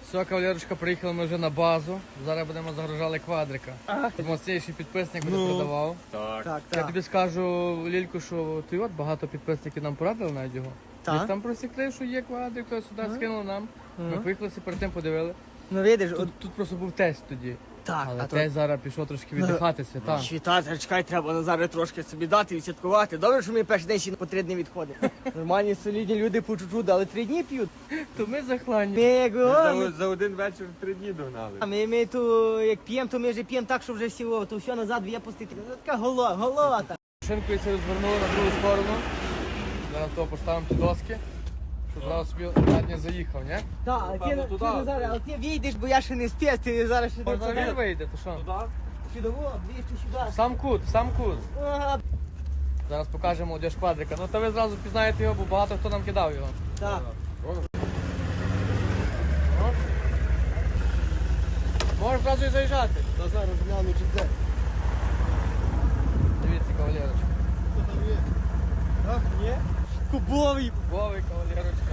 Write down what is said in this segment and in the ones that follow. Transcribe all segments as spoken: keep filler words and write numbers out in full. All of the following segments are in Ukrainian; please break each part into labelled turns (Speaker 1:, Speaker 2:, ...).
Speaker 1: Все, кавалерочка, приїхали ми вже на базу. Зараз будемо загружали квадрика. Моцніший підписник буде
Speaker 2: Ну.
Speaker 1: продавав.
Speaker 2: Так.
Speaker 3: Так,
Speaker 1: Я
Speaker 3: так.
Speaker 1: тобі скажу, Лільку, що ти от багато підписників нам порадили навіть його.
Speaker 3: Так.
Speaker 1: Ми там просікли, що є квадрик, то сюди скинули нам. Ми поїхали перед тим подивили.
Speaker 3: Ну видиш, от
Speaker 1: Тут, тут просто був тест тоді.
Speaker 3: так,
Speaker 1: Але
Speaker 3: а то
Speaker 1: тест зараз пішов трошки віддихати свята.
Speaker 3: світати, чекай, треба Назаре трошки собі дати, відсвяткувати. Добре, що ми перший день ще по три дні відходимо. Нормальні, солідні люди по чуть-чуть, але три дні п'ють.
Speaker 1: То ми захлані.
Speaker 3: Ми, як, о,
Speaker 2: За,
Speaker 3: ми,
Speaker 2: за один вечір три дні догнали.
Speaker 3: а ми, ми то, як п'ємо, то ми вже п'ємо так, що вже всі, о, то все назад випустити. Ну, така голова, голова та.
Speaker 1: Шинкою це розвернули на другу сторону. Зараз того поставимо ті доски, щоб зразу собі задній заїхав, ні?
Speaker 3: Так, а ти,
Speaker 1: Напевно,
Speaker 3: ти,
Speaker 1: туди.
Speaker 3: Назаре, але ти вийдеш, бо я ще не спец, ти зараз ще
Speaker 1: Можна
Speaker 3: не
Speaker 1: він вийде, то що?
Speaker 3: Сюди, о, ближче сюди.
Speaker 1: Сам кут, сам кут.
Speaker 3: Ага,
Speaker 1: Зараз покажемо молодіж квадрика. Ну то ви зразу пізнаєте його, бо багато хто нам кидав його.
Speaker 3: так.
Speaker 1: О. Можеш зразу і заїжджати.
Speaker 3: Та зараз гляну, чи це.
Speaker 1: Дивіться, кавалерочка.
Speaker 3: Що там є? Так, є? Кубовий.
Speaker 1: Вовий, кавалерочка.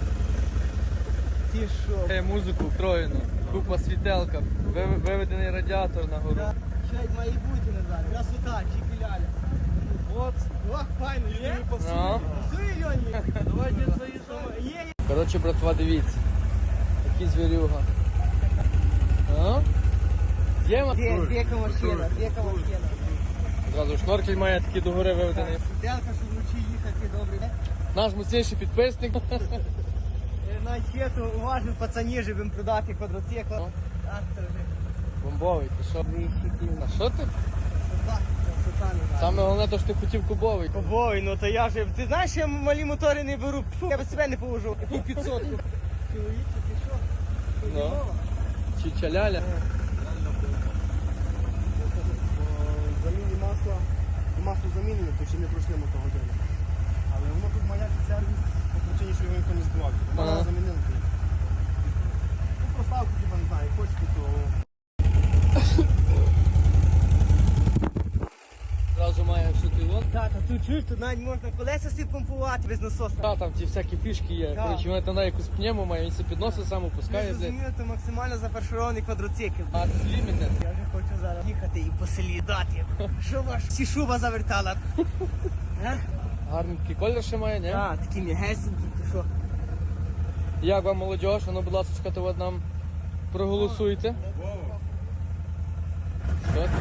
Speaker 3: Ти що?
Speaker 1: Е, Музику втроєну, купа світелка, вив- виведений радіатор на гору.
Speaker 3: Що як має бути, Назар? Красота, чіпіляля. От, ох, файно, є?
Speaker 1: Ну.
Speaker 3: Пасує, Льоні? Давай, дід, заїжджай. Є, є.
Speaker 1: Коротше, братва, дивіться. Такий звірюга. А? Є ма-
Speaker 3: Де, дека машина, дека машина.
Speaker 1: Зразу шноркель має такий догори виведений.
Speaker 3: Сиделка, щоб вночі їхати, добре.
Speaker 1: Наш міцніший підписник.
Speaker 3: Навіть світу уважно пацані живим продати квадроцикл.
Speaker 1: Ну.
Speaker 3: Так, це вже.
Speaker 1: Бомбовий, ти що? А що ти?
Speaker 3: Красота, красота, Назар.
Speaker 1: Саме головне, то що ти хотів кубовий.
Speaker 3: Обой, ну то я же. Ти знаєш, я малі мотори не беру. Фу, я без себе не повожу. Яку п'ятсот. Чоловіче, ти що?
Speaker 1: Ну. Чичаляля.
Speaker 4: Заміні масла, масло замінене, то ще не пройшли мотогодини. Але воно тут маячить сервіс по причині, що його ніхто не збивав. Вона
Speaker 1: Ага.
Speaker 4: замінила. Ну, проставку, типа, не знаю, хочете, то
Speaker 1: Зразу має що ти от.
Speaker 3: Так, а тут чуєш, тут навіть можна колеса собі помпувати без насоса.
Speaker 1: Та, там ті всякі фішки є.
Speaker 3: Так.
Speaker 1: Коротше, вона там якусь пневму має, він себе підносить, сам
Speaker 3: Я
Speaker 1: опускає. блядь.
Speaker 3: зрозумів, це максимально зафарширований квадроцикл.
Speaker 1: А це лімітед.
Speaker 3: Я вже хочу зараз їхати і по селі дати. Що ваш всі шуба завертала? А?
Speaker 1: Гарний такий колір ще має, ні?
Speaker 3: Так, такі м'ягесенькі, ти що?
Speaker 1: Як вам молодіж? А ну, будь ласка, то от нам проголосуйте. Що?
Speaker 3: От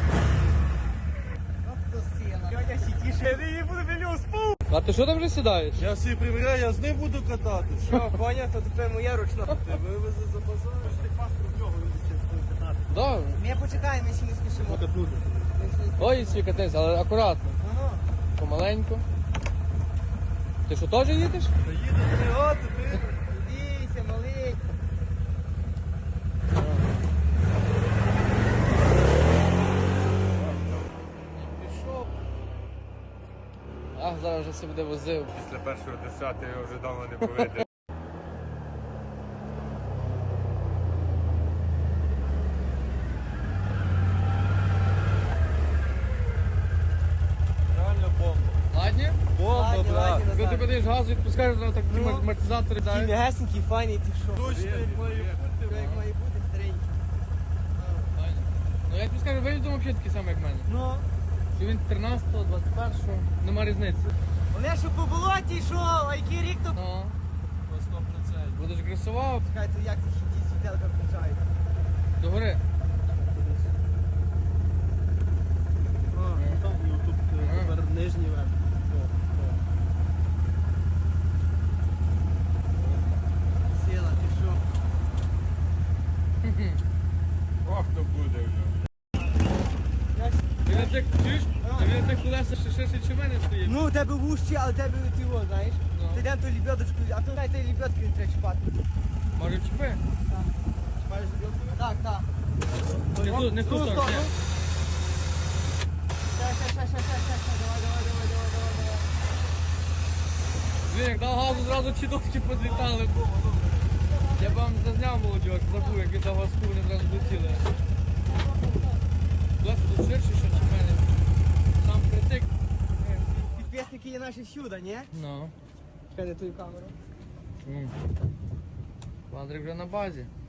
Speaker 3: то сила. Дядя сітіше, я її буду біля спу.
Speaker 1: А ти що там вже сідаєш?
Speaker 4: я собі приміряю, я з ним буду кататися.
Speaker 3: Що, коня, то тепер моя ручна.
Speaker 4: Вивези за базар. Ти паспорт в нього вивезти катати.
Speaker 1: Добре.
Speaker 3: Ми почекаємо, ми ще не спішимо.
Speaker 4: Катнути.
Speaker 1: Ой, свій катись, але акуратно.
Speaker 3: Ага.
Speaker 1: Помаленьку. Ти що, теж їдеш?
Speaker 4: Та їде бригати, ти.
Speaker 3: Дивіться, малий.
Speaker 1: Пішов. Ах, зараз вже все буде возив.
Speaker 2: Після першого десятого його вже давно не поведе.
Speaker 4: Реально бомба.
Speaker 1: Ладні?
Speaker 4: Бомба,
Speaker 3: Ладні,
Speaker 4: брат.
Speaker 3: ладні.
Speaker 1: Коли ти будеш газу відпускаєш, зразу так ті
Speaker 3: Ну.
Speaker 1: амортизатори
Speaker 3: Такий
Speaker 1: дають.
Speaker 3: м'ягесенький, файний, ти що?
Speaker 4: Точно як має бути.
Speaker 3: Що як має бути, старенький.
Speaker 1: Ну я тобі скажу, виїзд взагалі такий самий, як в мене.
Speaker 3: Ну,
Speaker 1: Чи він тринадцятого, двадцять першого, нема різниці.
Speaker 3: вони що по болоті йшов, а який рік то...
Speaker 1: Ну,
Speaker 4: сто процентів.
Speaker 1: будеш гресував,
Speaker 3: Чекай, то як ці хіті світелка включають?
Speaker 1: догори.
Speaker 4: Там, ну, тут е, тепер нижній верх.
Speaker 3: Сила, ти що?
Speaker 2: Ох, то буде вже.
Speaker 1: Він на тих, чуєш? А він на тих колесах ще ширше, чи в мене стоїть.
Speaker 3: Ну, у тебе вужче, але у тебе ти його, знаєш?
Speaker 1: Ну.
Speaker 3: Ти йдемо ту лебедочку, а то навіть тієї лебедки не треба чіпати.
Speaker 1: Може чіпи?
Speaker 3: Чіпаєш лебедку? Так, так.
Speaker 1: Не тут, не тут.
Speaker 3: Ту
Speaker 1: так,
Speaker 3: сторону.
Speaker 1: ні.
Speaker 3: Ще, ще, ще, ще, ще, ще, ще, давай, давай, давай, давай, давай, давай.
Speaker 1: Блін, як дав газу, зразу ці доски позлітали. Я б вам зазняв молодіж, забув, як він дав газку, вони зразу летіли. Колеса тут ширше, що чи в мене. Сам критик.
Speaker 3: Підписники є наші всюди, ні?
Speaker 1: Ну.
Speaker 3: Чекай, не ту камеру.
Speaker 1: М. Квадрик вже на базі.